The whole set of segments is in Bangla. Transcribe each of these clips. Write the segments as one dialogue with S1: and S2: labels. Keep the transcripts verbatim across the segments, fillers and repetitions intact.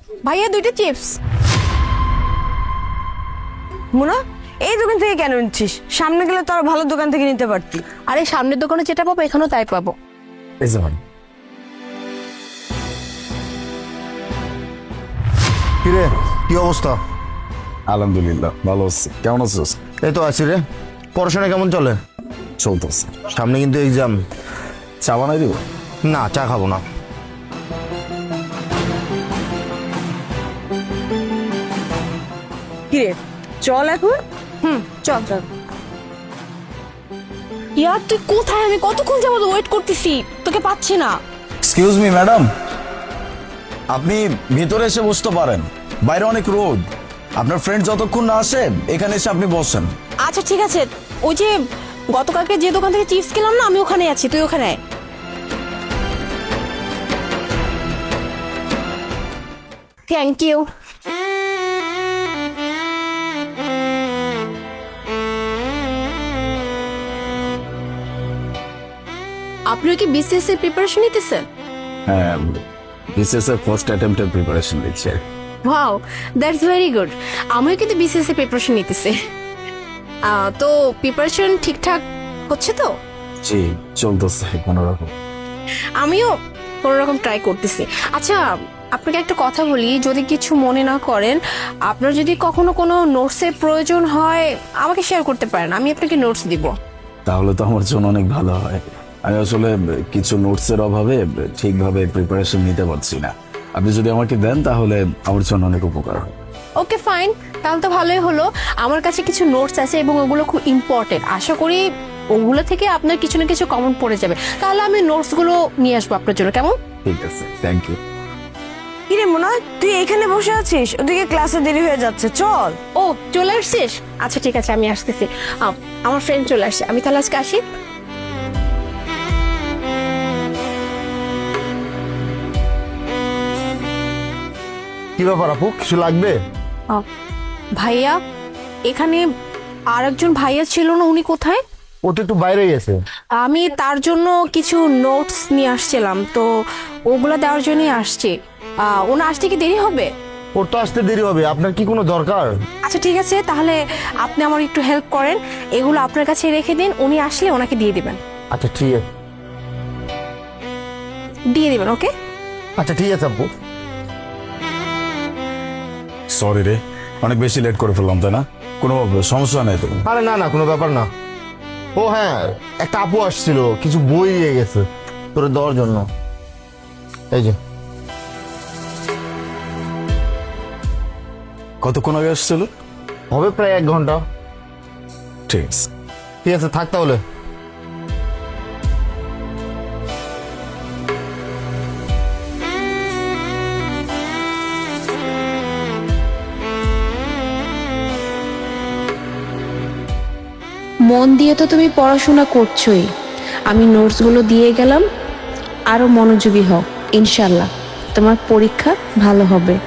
S1: ভাইয়া দুইটা চিপস।
S2: মুনা, এই দোকান থেকে কেন নিচ্ছিস? সামনে গেলে তো আর ভালো দোকান থেকে নিতে পারতি।
S1: আরে সামনের দোকানে যেটা পাবো এখানেও তাই পাবো।
S3: এই যে ভাই,
S4: কিরে কি অবস্থা?
S3: আলহামদুলিল্লাহ ভালো আছি, কেমন আছিস?
S4: এই তো আছি রে। পড়াশোনা কেমন চলে?
S3: চলতেছে।
S4: সামনে কিন্তু এক্সাম।
S3: চা বানাই দিব?
S4: না, চা খাবো না।
S2: কিরে চল এখন।
S1: হুম চল চল। ইয়ার তুই কোথায়? আমি কতক্ষণ যাবত ওয়েট করতেছি, তোকে পাচ্ছি না।
S3: এক্সকিউজ মি ম্যাডাম, আপনি ভিতরে এসে বসতে পারেন, বাইরে অনেক রোদ। আপনার ফ্রেন্ড যতক্ষণ না আসে এখানে এসে আপনি বসেন।
S1: আচ্ছা ঠিক আছে, ওই যে গতকালকে যে দোকান থেকে চিপস খেলাম না, আমি ওখানে আছি, তুই ওখানে আয়। Thank you. আপনিও কি বিসিএস এর প্রিপারেশন নিতেছেন?
S3: হ্যাঁ, বিসিএস এর ফার্স্ট অ্যাটেম্পটের প্রিপারেশন নিচ্ছি।
S1: Wow, that's very good. আমিও কিন্তু বিসিএস এর প্রিপারেশন নিতেছি। আহ, তো প্রিপারেশন ঠিকঠাক হচ্ছে তো?
S3: জি, চলতেছে কোনো রকম।
S1: আমিও কোনো রকম ট্রাই করতেছি। আচ্ছা আপনাকে একটা কথা বলি, যদি কিছু মনে না করেন, আপনার যদি কখনো কোনো নোটসের প্রয়োজন হয় আমাকে শেয়ার করতে পারেন, আমি আপনাকে নোটস দিব।
S3: তাহলে তো আমার জন্য অনেক ভালো হয়। আমি আসলে কিছু নোটসের অভাবে ঠিকভাবে প্রিপারেশন নিতে পারছি না। আপনি যদি আমাকে দেন তাহলে আমার জন্য অনেক উপকার হয়।
S1: ওকে ফাইন, তাহলে তো ভালোই হলো। আমার কাছে কিছু নোটস আছে এবং ওগুলো খুব ইম্পর্টেন্ট। আশা করি ওগুলো থেকে আপনার কিছু না কিছু কমন পড়ে যাবে। তাহলে আমি নোটসগুলো নিয়ে আসবো আপনার জন্য, কেমন?
S3: ঠিক আছে, থ্যাংক ইউ।
S2: কিরে মুনা, তুই এখানে বসে আছিস? ওদিকে ক্লাসে দেরি হয়ে যাচ্ছে, চল।
S1: ও চলে আসছিস? আচ্ছা ঠিক আছে, আমি আসতেছি। আম, আমার ফ্রেন্ড চলে আসছে, আমি তাহলে আজকে আসি।
S4: কি ব্যাপার আপু, কিছু লাগবে?
S1: আহ, ভাইয়া, এখানে আর একজন ভাইয়া ছিল না, উনি কোথায়?
S4: ও তো একটু বাইরে গেছে।
S1: আমি তার জন্য কিছু নোটস নিয়ে আসছিলাম, তো ওগুলো দেওয়ার জন্যই আসছি। আহ, ওনার আসতে কি দেরি হবে?
S4: ওর তো আসতে দেরি হবে, আপনার কি কোনো দরকার?
S1: আচ্ছা ঠিক আছে, তাহলে আপনি আমার একটু হেল্প করেন, এগুলো আপনার কাছে রেখে দিন, উনি আসলে ওনাকে দিয়ে দিবেন।
S4: আচ্ছা ঠিক আছে।
S1: দিয়ে দিবেন, ওকে?
S4: আচ্ছা ঠিক আছে আপু।
S3: সরি রে, অনেক বেশি লেট করে ফেললাম, তাই না? কোনো সমস্যা নেই তো?
S4: আরে না না, কোনো ব্যাপার না। ও হ্যাঁ, একটা আপু আসছিল, কিছু বই দিয়ে গেছে তোর দেওয়ার জন্য। এই যে।
S3: কতক্ষণ আগে আসছিল?
S4: হবে প্রায় এক ঘন্টা।
S3: ঠিক আছে।
S4: ঠিক আছে, থাক তাহলে।
S5: মন দিয়ে তো তুমি পড়াশোনা করছোই, আমি নোটসগুলো দিয়ে গেলাম, আরো মনোযোগী হও, ইনশাল্লাহ তোমার পরীক্ষা ভালো হবে।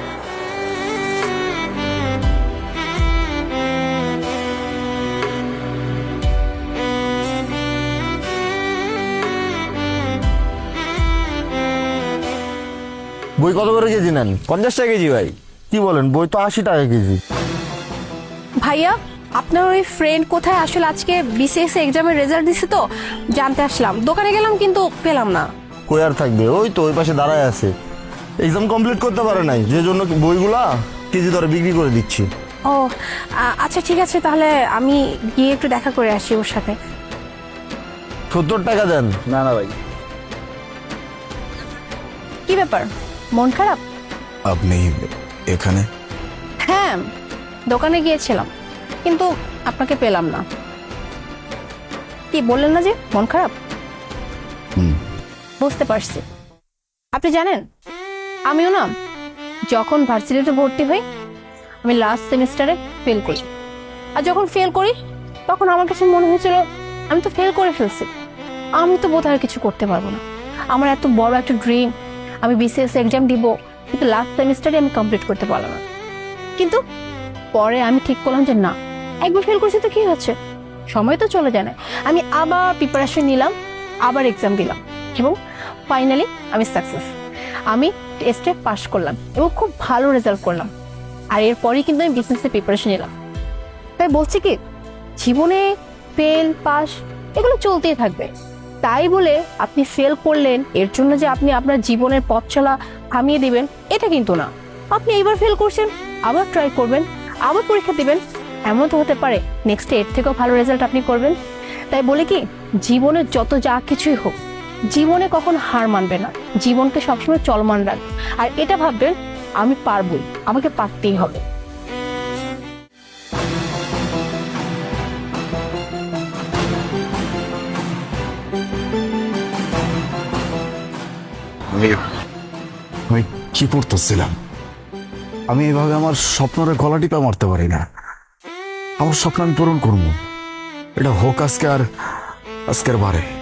S4: বই কত করে কেজি নেন?
S6: পঞ্চাশ টাকা কেজি ভাই।
S4: কি বলেন, বই তো আশি টাকা কেজি।
S1: ভাইয়া, আপনার ওই ফ্রেন্ড কোথায়? আসলে আজকে বিসিএস এক্সামের রেজাল্ট দিছে তো জানতে আসলাম, দোকানে গেলাম কিন্তু পেলাম না।
S4: কই আর থাকবে, ওই তো ওই পাশে দাঁড়ায় আছে। এক্সাম কমপ্লিট করতে পারে নাই, যে জন্য বইগুলা কেজি দরে বিক্রি করে দিচ্ছি।
S1: ও আ- আচ্ছা ঠিক আছে, তাহলে আমি গিয়ে একটু দেখা করে আসি ওর সাথে।
S4: সত্তর টাকা দেন।
S6: না না ভাই।
S1: কি ব্যাপার, মন খারাপ?
S3: আপনি এখানে?
S1: হ্যাঁ, দোকানে গিয়েছিলাম কিন্তু আপনাকে পেলাম না। কি বললেন না যে মন খারাপ?
S3: হুম।
S1: বুঝতে পারছি। আপনি জানেন, আমিও না যখন ভার্সিটিতে ভর্তি হই আমি লাস্ট সেমিস্টারে ফেল করি, আর যখন ফেল করি তখন আমার কাছে মনে হয়েছিল আমি তো ফেল করে ফেলছি, আমি তো বোধহয় আর কিছু করতে পারবো না। আমার এত বড় একটা ড্রিম, আমি বিসিএস এক্সাম দিব, কিন্তু লাস্ট সেমিস্টারে আমি কমপ্লিট করতে পারলাম না। কিন্তু পরে আমি ঠিক করলাম যে না, একবার ফেল করছি তো কি হচ্ছে, সময় তো চলে যায় না। আমি আবার প্রিপারেশন নিলাম, আবার এক্সাম দিলাম এবং ফাইনালি আমি সাকসেস। আমি টেস্টে পাশ করলাম এবং খুব ভালো রেজাল্ট করলাম, আর এরপরই কিন্তু আমি বিজনেসে প্রিপারেশন নিলাম। তাই বলছি কি, জীবনে ফেল পাস এগুলো চলতেই থাকবে। তাই বলে আপনি ফেল করলেন এর জন্য যে আপনি আপনার জীবনের পথ চলা থামিয়ে দিবেন, এটা কিন্তু না। আপনি এইবার ফেল করছেন, আবার ট্রাই করবেন, আবার পরীক্ষা দিবেন, এমন তো হতে পারে নেক্সট এর থেকেও ভালো রেজাল্ট আপনি করবেন। তাই বলে কি, জীবনে যত যা কিছুই হোক, জীবনে কখন হার মানবে না, জীবনকে সবসময় চলমান রাখবে, আর এটা ভাববেন আমি পারবই, আমাকে পারতেই হবে।
S3: আমি আমি কি পড়তেছিলাম? আমি এভাবে আমার স্বপ্নরে গলা টিপা মারতে পারি না। আমার স্বপ্ন আমি পূরণ করবো, এটা হোক আজকে আর আজকের বারে।